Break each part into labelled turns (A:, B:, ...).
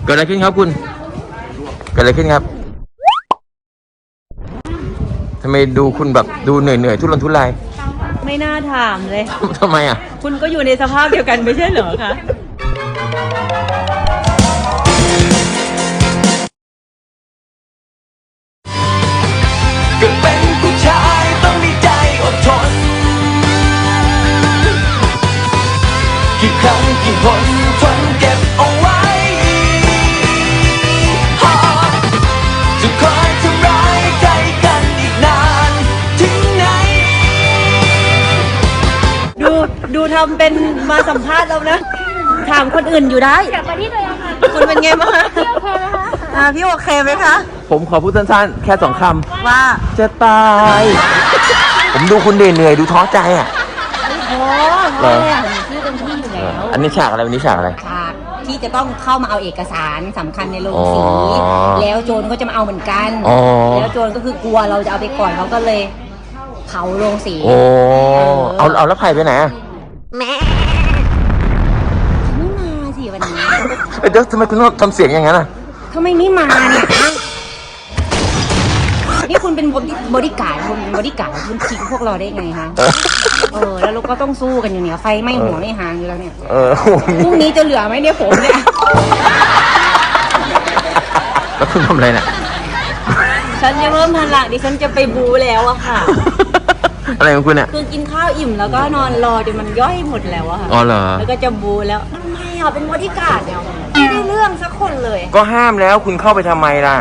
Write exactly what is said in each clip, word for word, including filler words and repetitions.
A: เกิดอะไรขึ้นครับคุณเกิดอะไรขึ้นครับทำไมดูคุณแบบดูเหนื่อยเหนื่อยทุรนทุราย
B: ไม่น่าถามเลย
A: ทำไมอ่ะ
B: คุณก็อยู่ในสภาพเดียวกันไม่ใช่เหรอคะ
C: เป็นผู้ชายต้องมีใจอดทนกี่ครั้งกี่หนทนเก็บเอาไว้จะคอยทำร้ายใจกันอีกนานถึงไหน
B: ดูดูทำเป็นมาสัมภาษณ์เรานะถามคนอื่นอยู่ได้
D: กลับมาที่ตัวเองค่ะ
B: คุณเป็นไงบ้างคะ
D: พี่โอเคไหมคะ
B: อ่าพี่โอเคไหมคะ
A: ผมขอพูดสั้นๆแค่สองคำ
B: ว่า
A: จะตายผมดูคุณเหนื่อยดูท้อใจอ่ะ
B: โอ้โหเนี่ยชื่อเต็มที่อยู่แล้ว
A: อันนี้ฉากอะไรวันนี้ฉากอะไร
B: ฉากที่จะต้องเข้ามาเอาเอกสารสำคัญในโรงสีแล้วโจรก็จะมาเอาเหมือนกันแล้วโจรก็คือกลัวเราจะเอาไปก่อนเขาก็เลยเผาโรงสี
A: โอ้เอาเอาแล้วไผ่ไปไหนอ่ะ
B: แม่ไม่มาสิวันนี้
A: เดี๋ยวทำไมคุณต้องทำเสียงอย่างนั้นอ่ะ
B: ทำไมไม่มาเนี่ยนี่คุณเป็นบอดี้การ์ดคุณบอดี้การ์ดคุณทิ้งพวกเราได้ไงคะเออแล้วเราก็ต้องสู้กันอยู่เนี่ยไฟไหม้หัวไม่ห่างอยู่แล้วเนี่ย
A: เออ
B: พรุ่งนี้จะเหลือไหมเนี่ยผมเนี่ย
A: แล้วคุณทำอะไรเนี่ย
B: ฉันจะเริ่มทันหลังดิฉันจะไปบูแล้วอะค่ะ
A: อะไรของคุณเนี่ย
B: คือกินข้าวอิ่มแล้วก็นอนรอจนมันย่อยหมดแล้วอะค่ะ
A: อ๋อเหรอ
B: แล้วก็จะบูแล้วทำไมอ่ะเป็นบอดี้การ์ดเนี่ยไม่ได้เรื่องสักคนเลย
A: ก็ห้ามแล้วคุณเข้าไปทำไมล่ะ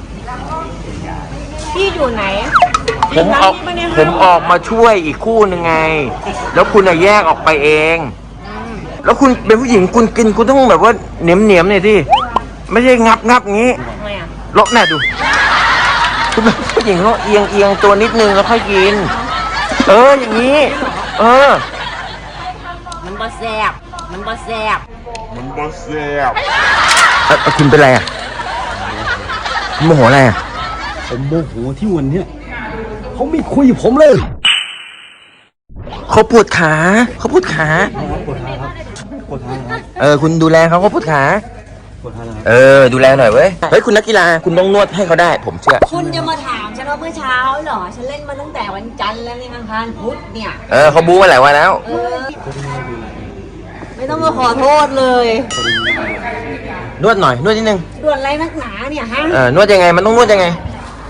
B: พี่อยู่ไหน
A: ผมออกผมออกมาช่วยอีกคู่หนึ่งไงแล้วคุณอะแยกออกไปเองแล้วคุณเป็นผู้หญิงคุณกินคุณต้องแบบว่าเหนียมเหนียมหน่อยที่ไม่ใช่งับงับงี้ลบหน้าดูคุณเป็นผู้หญิงเขาเอียงเอียงตัวนิดนึงแล้วค่อยกินเอออย่างนี้เออ
B: มันบอแซบมันบอแซบ
A: มันบอแซบเออคุณเป็นไรอ่ะโมโหอะไรอ่ะ
E: ผมโมโหที่วันเนี้ยเขาไม่คุยกับผมเลย
A: เขาปวดขาเขาปวดขา
E: ปวดขาครับปวดขาครับ
A: เออคุณดูแลเขาเขาปวดขา
E: ปวดขาครับ
A: เออดูแลหน่อยเว้ยเฮ้ยคุณนักกีฬาคุณต้องนวดให้เขาได้ผมเชื่อ
B: คุณจะมาถามฉันว่าเมื่อเช้าเหรอฉันเล่นมาตั้งแต่วันจันทร์แล้วในอังคารพุธเนี่ย
A: เออเขาบู๊มาหลายวันแล้ว
B: ไม่ต้องมาขอโทษเลย
A: นวดหน่อยนวดนิดนึง
B: นวดอะไรนักหนาเนี่ยฮะ
A: เออนวดยังไงมันต้องนวดยังไง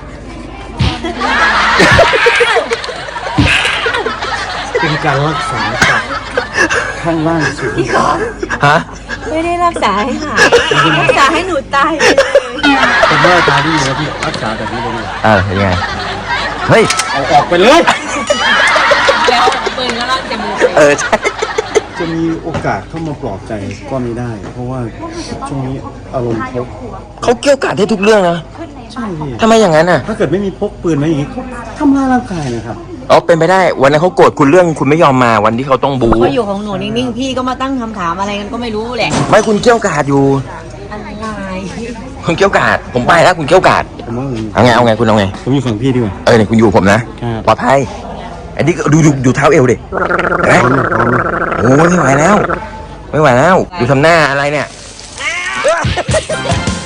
E: เป็นการรักษาจากข้างล่างสุด
B: พี่ขอ
A: ฮะ
B: ไม่ได้รักษาให้หายรักษาให้หนูตายเลย
E: เป็นแม่ตาดีนะพี่รักษาแบบนี้เลย
A: เออยังไงเฮ้ย
E: เอาออกไปเลย
B: แล้วปืนก็ลั่นจมูก
A: เออใช่
E: จะมีโอกาสเข้ามาปลอบใจก็ไม่ได้เพราะว่าช่วงนี้อารมณ์เขา
A: เขาเกี่ยวกาดให้ทุกเรื่องนะ
E: ใช่พี่
A: ทำไมอย่างนั้นอ่ะ
E: ถ้าเกิดไม่มีพกปืนมาอย่างนี้เขาทำร้ายร่างกายนะครับ
A: อ๋อเป็นไปได้วันนั้นเขาโกรธคุณเรื่องคุณไม่ยอมมาวันที่เขาต้องบู๊
B: เขาอยู่ของหนูนิ่งๆพี่ก็มาตั้งคำถามอะไรกันก็ไม่รู้แหละ
A: ไม่คุณเกี่ยวกาดอยู่
B: อะไร
A: คุณเกี่ยวกาดผมไปแล้วคุณเกี่ยวกาดเอาไงเอาไงคุณเอาไง
E: ผมอยู่ฝั่งพี่ดีกว่า
A: เออเนี่ยคุณอยู่ผมนะปลอดภัยอันนี้ดูดูดูเท้าเอวดิเห็นไหมโอ้ไม่ไหวแล้วไม่ไหวแล้วดูทำหน้าอะไรเนี่ย